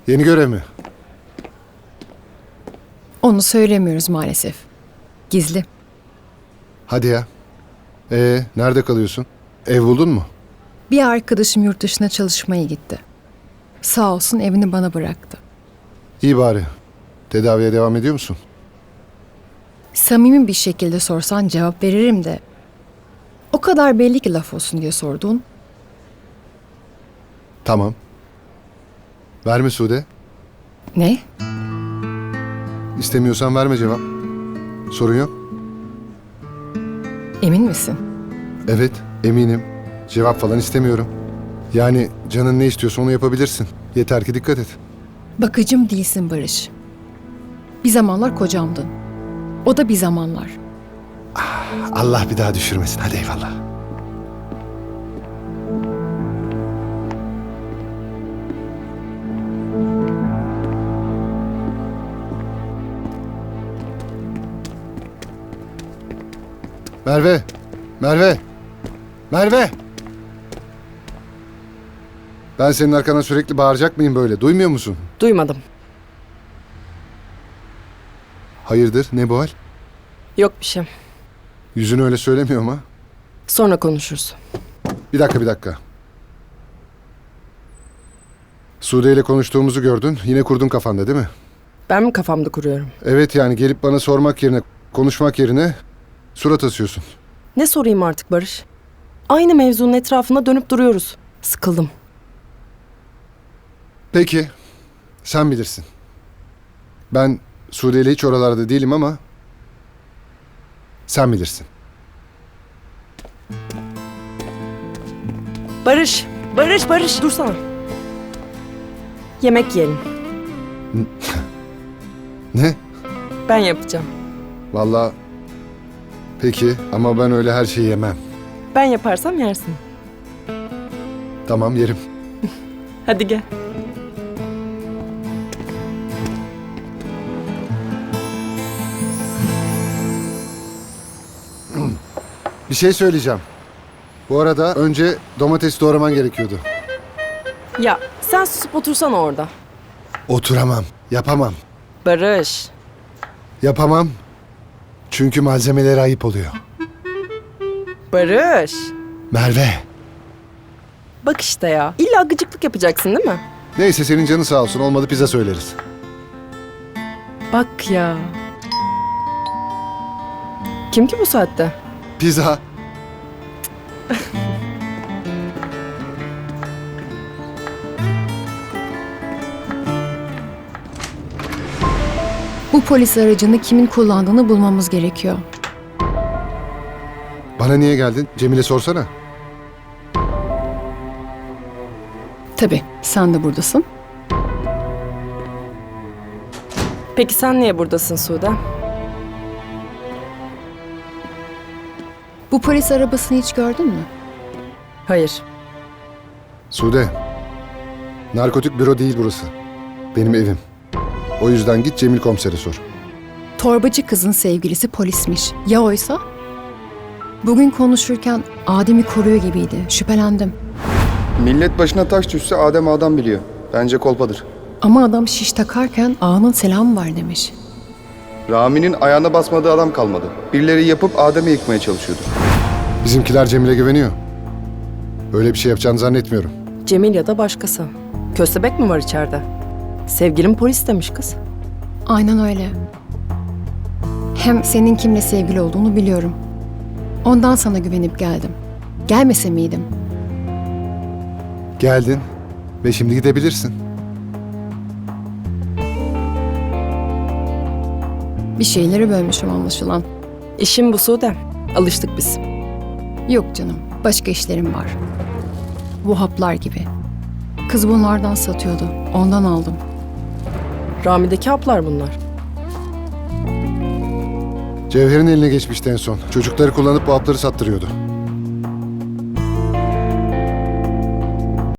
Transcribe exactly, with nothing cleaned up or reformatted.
Yeni görev mi? Onu söylemiyoruz maalesef. Gizli. Hadi ya. Ee, nerede kalıyorsun? Ev buldun mu? Bir arkadaşım yurt dışına çalışmaya gitti. Sağ olsun evini bana bıraktı. İyi bari. Tedaviye devam ediyor musun? Samimi bir şekilde sorsan cevap veririm de. O kadar belli ki laf olsun diye sordun. Tamam. Verme Sude. Ne? İstemiyorsan verme cevap. Sorun yok. Emin misin? Evet, eminim. Cevap falan istemiyorum. Yani canın ne istiyorsa onu yapabilirsin. Yeter ki dikkat et. Bakıcım değilsin Barış. Bir zamanlar kocamdın. O da bir zamanlar. Allah bir daha düşürmesin. Hadi eyvallah. Merve! Merve! Merve! Ben senin arkana sürekli bağıracak mıyım böyle? Duymuyor musun? Duymadım. Hayırdır? Ne bu hal? Yok bir şey. Yüzün öyle söylemiyor ama. Sonra konuşuruz. Bir dakika, bir dakika. Sude ile konuştuğumuzu gördün. Yine kurdun kafanda değil mi? Ben mi kafamda kuruyorum? Evet, yani gelip bana sormak yerine, konuşmak yerine surat asıyorsun. Ne sorayım artık Barış? Aynı mevzunun etrafında dönüp duruyoruz. Sıkıldım. Peki, sen bilirsin. Ben Sude ile hiç oralarda değilim ama sen bilirsin. Barış! Barış, Barış! Dursana. Yemek yiyelim. Ne? Ben yapacağım. Vallahi peki ama ben öyle her şeyi yemem. Ben yaparsam yersin. Tamam, yerim. Hadi gel. Bir şey söyleyeceğim. Bu arada önce domates doğraman gerekiyordu. Ya sen susup otursana orada. Oturamam, yapamam. Barış. Yapamam. Çünkü malzemeleri ayıp oluyor. Barış. Merve. Bak işte ya. İlla gıcıklık yapacaksın değil mi? Neyse, senin canın sağ olsun. Olmadı pizza söyleriz. Bak ya. Kim ki bu saatte? Pizza. Bu polis aracını kimin kullandığını bulmamız gerekiyor. Bana niye geldin? Cemile sorsana. Tabii sen de buradasın. Peki sen niye buradasın Sude? Bu polis arabasını hiç gördün mü? Hayır. Sude. Narkotik büro değil burası. Benim evim. O yüzden git Cemil komisere sor. Torbacı kızın sevgilisi polismiş. Ya oysa? Bugün konuşurken Adem'i koruyor gibiydi. Şüphelendim. Millet başına taş düşse Adem adam biliyor. Bence kolpadır. Ama adam şiş takarken ağanın selamı var demiş. Rami'nin ayağına basmadığı adam kalmadı. Birileri yapıp Adem'i yıkmaya çalışıyordu. Bizimkiler Cemil'e güveniyor. Öyle bir şey yapacağını zannetmiyorum. Cemil ya da başkası. Köstebek mi var içeride? Sevgilim polis demiş kız. Aynen öyle. Hem senin kimle sevgili olduğunu biliyorum. Ondan sana güvenip geldim. Gelmese miydim? Geldin ve şimdi gidebilirsin. Bir şeyleri bölmüşüm anlaşılan. İşim bu Sude. Alıştık biz. Yok canım, başka işlerim var. Bu haplar gibi. Kız bunlardan satıyordu, ondan aldım. Rami'deki haplar bunlar. Cevher'in eline geçmişti en son. Çocukları kullanıp bu hapları sattırıyordu.